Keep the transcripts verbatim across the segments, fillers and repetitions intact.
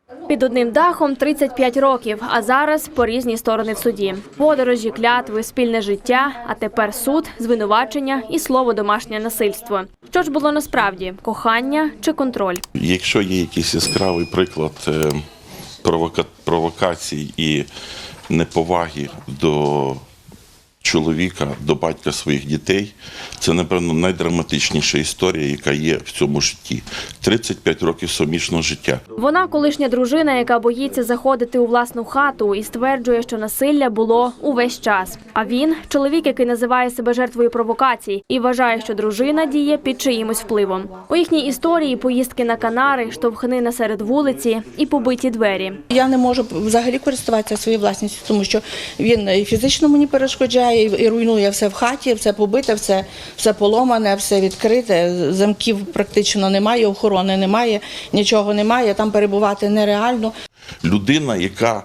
Під одним дахом тридцять п'ять років, а зараз по різні сторони в суді. Подорожі, клятви, спільне життя, а тепер суд, звинувачення і слово домашнє насильство. Що ж було насправді – кохання чи контроль? Якщо є якийсь яскравий приклад провока... провокацій і неповаги до чоловіка, до батька своїх дітей, це, напевно, найдраматичніша історія, яка є в цьому житті. тридцять п'ять років сумішного життя. Вона – колишня дружина, яка боїться заходити у власну хату і стверджує, що насилля було увесь час. А він – чоловік, який називає себе жертвою провокацій і вважає, що дружина діє під чиїмось впливом. У їхній історії поїздки на Канари, штовхнина серед вулиці і побиті двері. Я не можу взагалі користуватися своєю власністю, тому що він і фізично мені перешкоджає, і руйнує все в хаті, все побите, все, все поломане, все відкрите, замків практично немає, охорони немає, нічого немає, там перебувати нереально. Людина, яка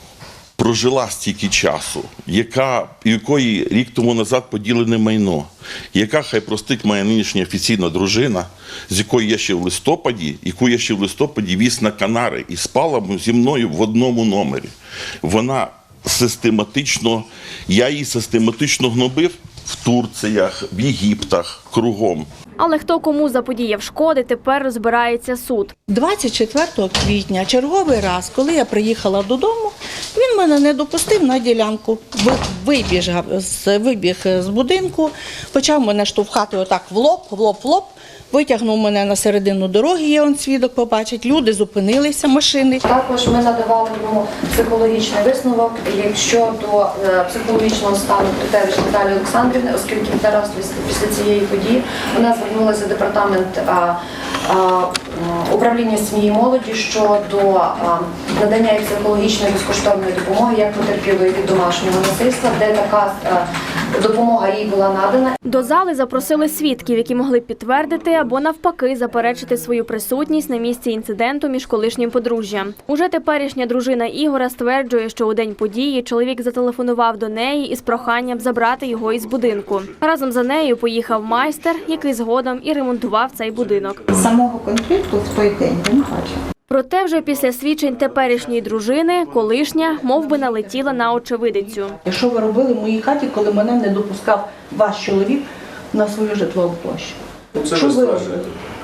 прожила стільки часу, яка, якої рік тому назад поділене майно, яка, хай простить, моя нинішня офіційна дружина, з якою я ще в листопаді, яку я ще в листопаді віз на Канари і спала зі мною в одному номері. Вона систематично, я її систематично гнобив в Турціях, в Єгиптах, кругом. Але хто кому заподіяв шкоди, тепер розбирається суд. двадцять четвертого квітня, черговий раз, коли я приїхала додому, він мене не допустив на ділянку. Вибіг, вибіг з будинку, почав мене штовхати отак в лоб, в лоб, в лоб. Витягнув мене на середину дороги, є он свідок побачить, люди зупинилися, машини. Також ми надавали йому психологічний висновок щодо психологічного стану Критевич Наталії Олександрівни, оскільки зараз після цієї події вона звернулася в департамент а, а, управління сім'ї і молоді щодо а, надання їй психологічної безкоштовної допомоги як потерпілої від домашнього насильства, де така а, допомога їй була надана. До зали запросили свідків, які могли підтвердити або навпаки заперечити свою присутність на місці інциденту між колишнім подружжям. Уже теперішня дружина Ігора стверджує, що у день події чоловік зателефонував до неї із проханням забрати його із будинку. Разом за нею поїхав майстер, який згодом і ремонтував цей будинок. Самого конфлікту в той день я не бачив. Проте вже після свідчень теперішньої дружини колишня мов би налетіла на очевидицю. Що ви робили в моїй хаті, коли мене не допускав ваш чоловік на свою житлову площу? Це що ви ви робили?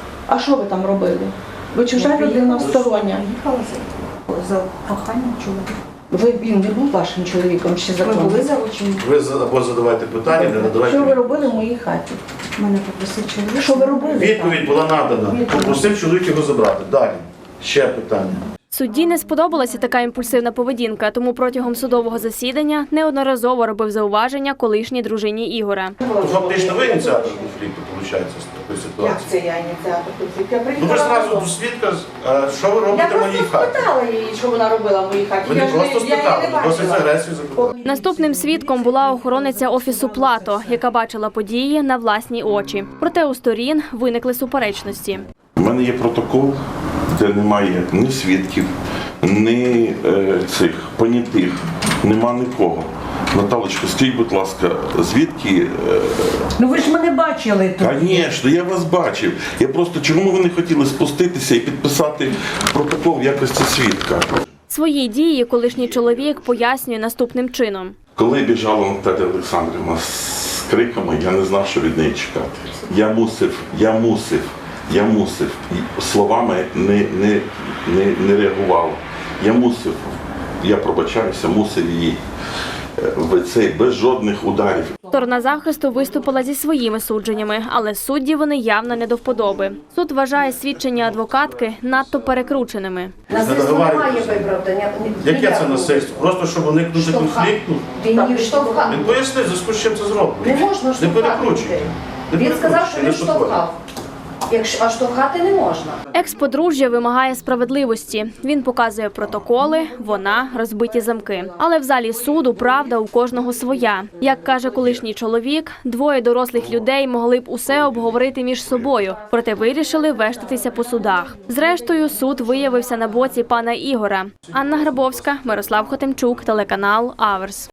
А що ви там робили? Ви чужа людина стороння. Їхала за, за коханням чоловіка. Ви, він не був вашим чоловіком ще Ми законом? були залучені. Ви за- або задавайте питання, не надавайте. Що ви робили в моїй хаті? Мене попросив чоловік. Що ви робили? Відповідь була надана. Попросив чоловік його забрати. Далі. Ще питання. Судді не сподобалася така імпульсивна поведінка, тому протягом судового засідання неодноразово робив зауваження колишній дружині Ігора. То фактично ви ініціатор конфлікту, виходить, з такої Як ситуації. це я ініціатор конфлікту? Я Ну ви ж приїхала одразу додому. до свідка, а, що ви Я робите в моїй просто хаті? спитала її, що вона робила в моїй хаті. Ви не Я ж просто я її спитали, не ви досить з бачила. агресією запитали. Наступним свідком була охорониця офісу Плато, яка бачила події на власні очі. Проте у сторін виникли суперечності. У мене є протокол, де немає ні свідків, ні е, цих понятих, нема нікого. Наталочка, скажіть, будь ласка, звідки? Ну ви ж мене бачили тут. Звісно, я вас бачив. Я просто, чому ви не хотіли спуститися і підписати протокол в якості свідка? Свої дії колишній чоловік пояснює наступним чином. Коли біжала Наталя Олександрівна з криками, я не знав, що від неї чекати. Я мусив, я мусив, я мусив. І словами не, не, не, не реагував. Я мусив, я пробачаюся, мусив її в цей, без жодних ударів. Сторона захисту виступила зі своїми судженнями, але судді вони явно не до вподоби. Суд вважає свідчення адвокатки надто перекрученими. Насильство немає виправдання. Яке це насильство? Просто щоб уникнути Штовхати. конфлікту? Він її штовхав. Він пояснив, за зв'язку з чим це зроблено. Не можна Не штовхати перекручуй. людей. Не Він сказав, перекручуй, що не він штовхай. штовхав. Якщо, а штовхати не можна. Екс-подружжя вимагає справедливості. Він показує протоколи, вона – розбиті замки. Але в залі суду правда у кожного своя. Як каже колишній чоловік, двоє дорослих людей могли б усе обговорити між собою, проте вирішили вештатися по судах. Зрештою, суд виявився на боці пана Ігора. Анна Грабовська, Мирослав Хотимчук, телеканал Аверс.